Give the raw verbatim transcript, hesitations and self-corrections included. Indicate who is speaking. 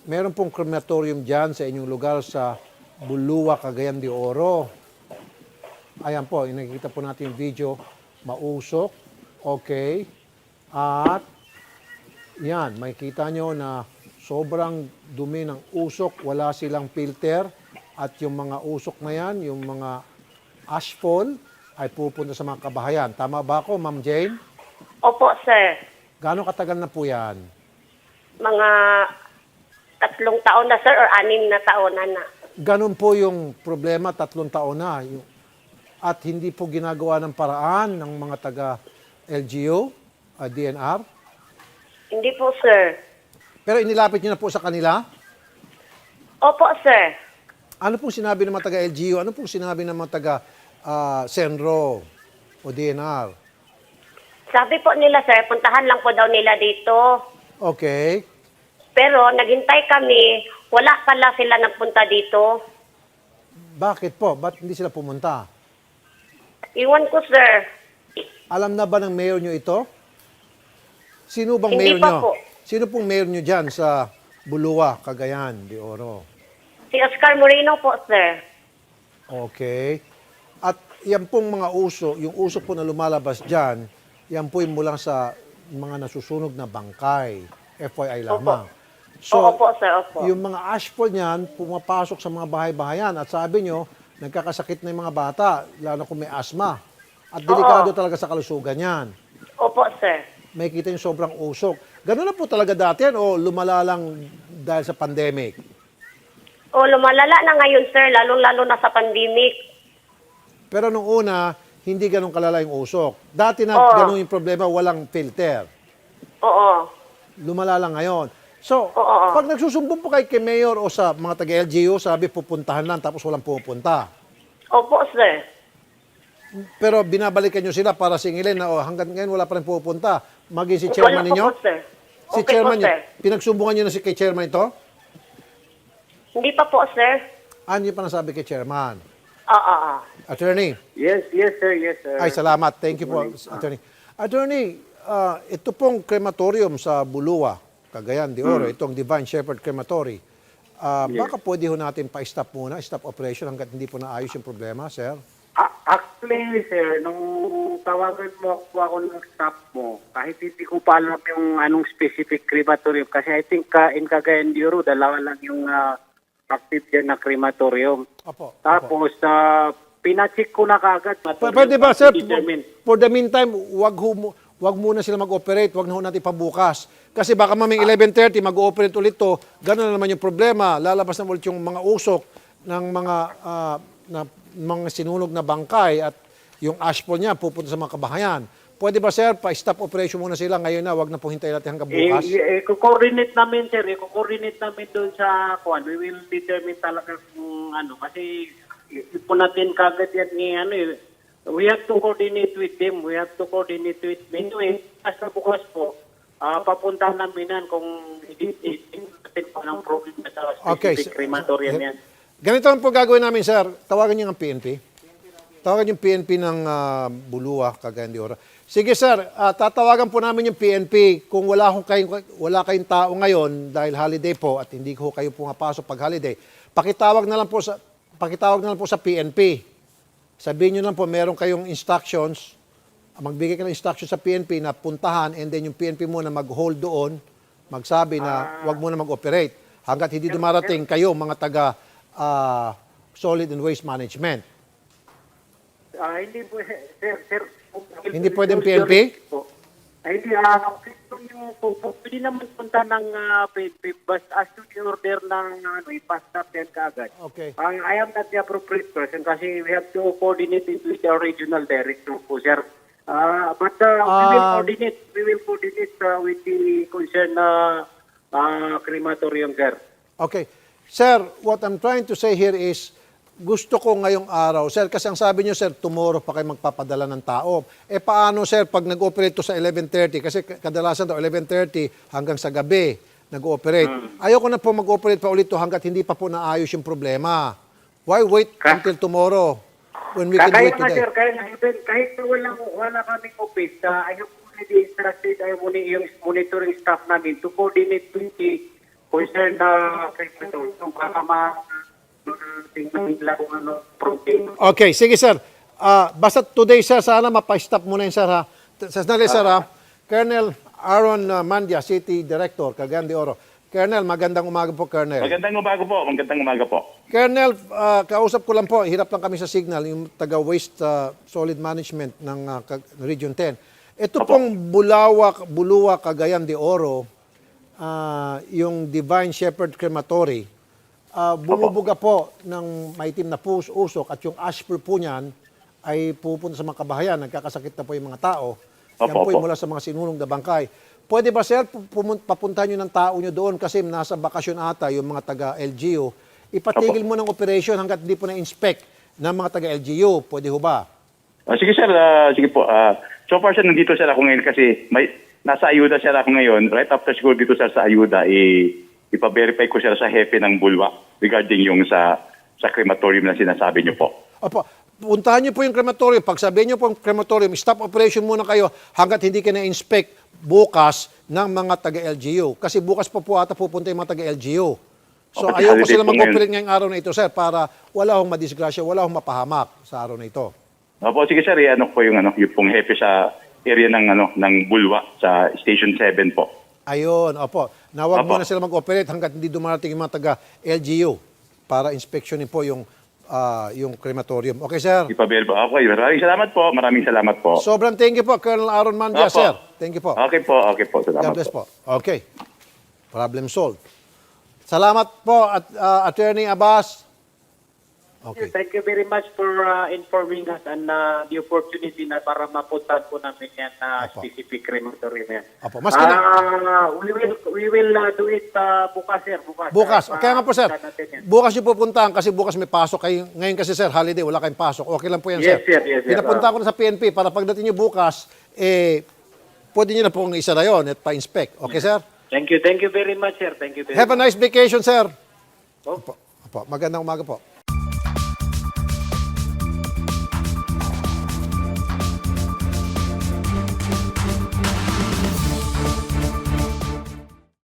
Speaker 1: meron pong crematorium dyan sa inyong lugar sa Bulua, Cagayan de Oro. Ayan po, nakikita po natin yung video. Mausok. Okay. At yan, makikita nyo na sobrang dumi ng usok. Wala silang filter. At yung mga usok na yan, yung mga ashfall, ay pupunta sa mga kabahayan. Tama ba ako, Ma'am Jane?
Speaker 2: Opo, sir.
Speaker 1: Gaano katagal na po yan?
Speaker 2: Mga tatlong taon na, sir, or anim na taon na na.
Speaker 1: Ganun po yung problema, tatlong taon na. Yung- At hindi po ginagawa ng paraan ng mga taga-L G U, uh, D N R.
Speaker 2: Hindi po, sir.
Speaker 1: Pero inilapit niyo na po sa kanila.
Speaker 2: Opo, sir.
Speaker 1: Ano pong sinabi ng mga taga-L G U? Ano pong sinabi ng mga taga-Senro o D N R?
Speaker 2: Sabi po nila, sir, puntahan lang po daw nila dito.
Speaker 1: Okay.
Speaker 2: Pero naghintay kami, wala pala sila nagpunta dito.
Speaker 1: Bakit po? Ba't hindi sila pumunta?
Speaker 2: Iwan ko, sir.
Speaker 1: Alam na ba ng mayor nyo ito? Sino bang
Speaker 2: Hindi
Speaker 1: mayor
Speaker 2: pa
Speaker 1: nyo?
Speaker 2: po.
Speaker 1: Sino pong mayor nyo dyan sa Bulua, Cagayan de Oro?
Speaker 2: Si Oscar Moreno po, sir.
Speaker 1: Okay. At yan pong mga uso, yung uso po na lumalabas dyan, yan po yung mula sa mga nasusunog na bangkay. F Y I lamang.
Speaker 2: Oo po, sir, opo.
Speaker 1: yung mga ashfall niyan, pumapasok sa mga bahay-bahayan. At sabi nyo, nagkakasakit na yung mga bata, lalo kung may asma. At delikado talaga sa kalusugan yan.
Speaker 2: Opo, sir.
Speaker 1: May kita yung sobrang usok. Ganun na po talaga dati yan o lumala lang dahil sa pandemic?
Speaker 2: O, lumalala na ngayon, sir, lalong-lalo na sa pandemic.
Speaker 1: Pero nung una, hindi ganun kalala yung usok. Dati na
Speaker 2: Oo.
Speaker 1: ganun yung problema, walang filter.
Speaker 2: Oo.
Speaker 1: Lumala lang ngayon. So,
Speaker 2: Oo, oo.
Speaker 1: pag nagsusumbong po kay kay Mayor o sa mga taga-L G U, sabi pupuntahan lang tapos walang pupunta.
Speaker 2: Opo, sir.
Speaker 1: Pero binabalikan nyo sila para singilin na oh, hanggang ngayon wala pa rin pupunta. Maging si chairman
Speaker 2: Wala
Speaker 1: ninyo?
Speaker 2: po, sir.
Speaker 1: Si
Speaker 2: Okay
Speaker 1: chairman
Speaker 2: po,
Speaker 1: nyo,
Speaker 2: sir.
Speaker 1: pinagsumbungan nyo na si kay chairman ito?
Speaker 2: Hindi pa po, sir.
Speaker 1: Ano yung pa nasabi kay chairman?
Speaker 2: Oo, oo.
Speaker 1: Attorney?
Speaker 3: Yes, yes, sir, yes, sir.
Speaker 1: Ay, salamat. Thank you po, Attorney. Attorney, ah, ito pong crematorium sa Bulua, Cagayan de Oro, itong Divine Shepherd Crematory. Ah, Baka pwede ho natin pa-stop muna, stop operation hanggat hindi po naayos yung problema, sir?
Speaker 3: A- actually, sir, nung tawagan mo ako, ako ng staff mo, kahit hindi ko pa alam yung anong specific crematorium, kasi I think uh, in Cagayan de Oro, dalawa lang yung uh, active dyan na crematorium.
Speaker 1: Opo. opo.
Speaker 3: Tapos, uh, pinacheck ko na kagad.
Speaker 1: P- Pwede ba, sir,
Speaker 3: Determine.
Speaker 1: for the meantime, wag, ho, mu- wag muna sila mag-operate, wag na ho natin pabukas. Kasi baka maming eleven thirty, mag-ooperate ulit to, gano'n na naman yung problema. Lalabas na ulit yung mga usok ng mga, ah, na, mga sinunog na bangkay at yung ashfall niya pupunta sa mga kabahayan. Pwede ba, sir, pa-stop operation muna sila ngayon na, wag na po hintayin natin hanggang
Speaker 3: Eh,
Speaker 1: bukas?
Speaker 3: eh, coordinate namin, sir. Eh, coordinate namin doon sa kuan. We will determine talaga kung ano. Kasi hindi po natin kagad yan ni ano eh. We have to coordinate with them. We have to coordinate with them. Anyway, hasta bukas po, ah papuntahan namin yan kung hindi natin pa ng problem sa
Speaker 1: Okay,
Speaker 3: specific
Speaker 1: sir.
Speaker 3: crematorium yan.
Speaker 1: Ganito lang po gagawin namin, sir. Tawagan niyo ang P N P. Tawagan yung P N P ng ah, Bulua, Cagayan de Oro. Sige, sir. ah, tatawagan po namin yung P N P. Kung wala, kong kayong, wala kayong tao ngayon dahil holiday po at hindi ko kayo pumapasok pag holiday, pakitawag na lang po sa, pakitawag na lang po sa P N P. Sabihin niyo lang po, meron kayong instructions, magbigay ka ng instructions sa P N P na puntahan and then yung P N P muna mag-hold doon, magsabi na wag muna mag-operate. Hanggat hindi dumarating kayo, mga taga ah, Solid and Waste Management.
Speaker 3: Ah, hindi po, sir, sir.
Speaker 1: Hindi pwedeng P N P?
Speaker 3: Po. Ay, hindi, ah, yung po, po, pwede naman punta ng ah, P N P, basta as to the order ng ano, ipa-stop yan kaagad.
Speaker 1: Okay.
Speaker 3: Ang I am not the appropriate person kasi we have to coordinate it with our regional director po, sir. Ah, but uh, we will
Speaker 1: Ah.
Speaker 3: coordinate, we will coordinate uh, with the concerned uh, uh, crematorium, sir.
Speaker 1: Okay. Sir, what I'm trying to say here is, gusto ko ngayong araw, sir, kasi ang sabi niyo, sir, tomorrow pa kayo magpapadala ng tao. Eh paano, sir, pag nag-operate to sa eleven thirty, kasi kadalasan to eleven thirty hanggang sa gabi nag-ooperate. Ayoko na po mag-ooperate pa ulit to hanggat hindi pa po naayos yung problema. Why wait
Speaker 3: Ka-
Speaker 1: until tomorrow when we can do
Speaker 3: Kaya
Speaker 1: it
Speaker 3: nga,
Speaker 1: today?
Speaker 3: sir, kaya nga, even, kahit na wala, wala kaming office, uh, I have already instructed, I have only yung monitoring staff namin to coordinate with the concerned na crematorium para ma tingnan nila kung ano protein.
Speaker 1: Okay, sige sir. Ah, basta today sir, sana mapa-stop muna yun sir ha. Sandali sir ha. Colonel Aaron uh, Mandia, City Director, Cagayan de Oro. Colonel, magandang umaga po, Colonel.
Speaker 4: Magandang umaga po, magandang umaga po.
Speaker 1: Colonel, ah, kausap ko lang po, hirap lang kami sa signal, yung taga-waste ah, solid management ng ah, Cag- Region ten. Ito
Speaker 4: Opo.
Speaker 1: pong Bulawak, Bulua, Cagayan de Oro, ah, yung Divine Shepherd Crematory, ah, bumubuga po ng maitim na pus, usok at yung ash pur po niyan ay pupunta sa mga kabahayan, nagkakasakit na po yung mga tao. Yan
Speaker 4: Opo,
Speaker 1: po yung
Speaker 4: opo.
Speaker 1: mula sa mga sinulong na bangkay. Pwede ba sir, pumun- papuntahan nyo ng tao nyo doon kasi nasa bakasyon ata yung mga taga-L G U. Ipatigil mo ng operation hanggat hindi po na-inspect ng mga taga-L G U. Pwede ho ba?
Speaker 4: Ah, sige sir, ah, sige po. Ah, so far sir, nandito sir ako ngayon kasi may, nasa ayuda sir ako ngayon. Right after siguro dito sir sa ayuda, i, ipa-verify ko sir sa hepe ng Bulwa regarding yung sa sa crematorium na sinasabi niyo po.
Speaker 1: Opo, puntahan nyo po yung crematorium. Pag sabihin nyo po yung crematorium, stop operation muna kayo hanggat hindi ka na-inspect bukas ng mga taga-L G U. Kasi bukas pa po ata pupunta yung mga taga-L G U. So
Speaker 4: Opo,
Speaker 1: ayaw ko
Speaker 4: holiday
Speaker 1: sila
Speaker 4: po
Speaker 1: mag-operate ngayong araw na ito, sir, para wala akong madisgrasya, wala akong mapahamak sa araw na ito.
Speaker 4: Opo, sige sir, eh, ano po yung ano, yung pong hepe sa area ng ano ng Bulwa sa Station seven po.
Speaker 1: Ayun, opo. Nawag
Speaker 4: Opo.
Speaker 1: muna sila mag-operate hanggat hindi dumarating yung mga taga-L G U para inspeksyonin po yung ah, yung crematorium. Okay, sir?
Speaker 4: Ipa-verify. Okay, maraming salamat po. Maraming salamat po.
Speaker 1: Sobrang thank you po, Colonel Aaron Mandia,
Speaker 4: Opo.
Speaker 1: sir. Thank you po.
Speaker 4: Okay po, okay po. Salamat
Speaker 1: God bless po. Okay. Problem solved. Salamat po, at, ah, Attorney Abbas. Okay.
Speaker 3: Thank you very much for uh, informing us and uh, the opportunity na para mapuntahan po namin yan na
Speaker 1: Apo.
Speaker 3: specific crematorium yan.
Speaker 1: Apo, maski na-
Speaker 3: Ah, we will we will uh, do it uh, bukas sir, bukas.
Speaker 1: Bukas.
Speaker 3: Ah,
Speaker 1: Kaya nga po, sir.
Speaker 3: puntahan natin yan.
Speaker 1: Bukas yung pupuntahan kasi bukas may pasok kayo. Ngayon kasi, sir, holiday, wala kayong pasok. Okay lang po yan,
Speaker 3: Yes,
Speaker 1: sir.
Speaker 3: sir. Yes, sir.
Speaker 1: Pinapunta ko na sa P N P para pagdating nyo bukas, eh, pwede nyo na pong isa na yun at pa-inspect. Okay, sir?
Speaker 3: Thank you, thank you very much sir. Thank you very
Speaker 1: Have a nice vacation, sir.
Speaker 3: much.
Speaker 1: Opo. Opo. Magandang umaga po.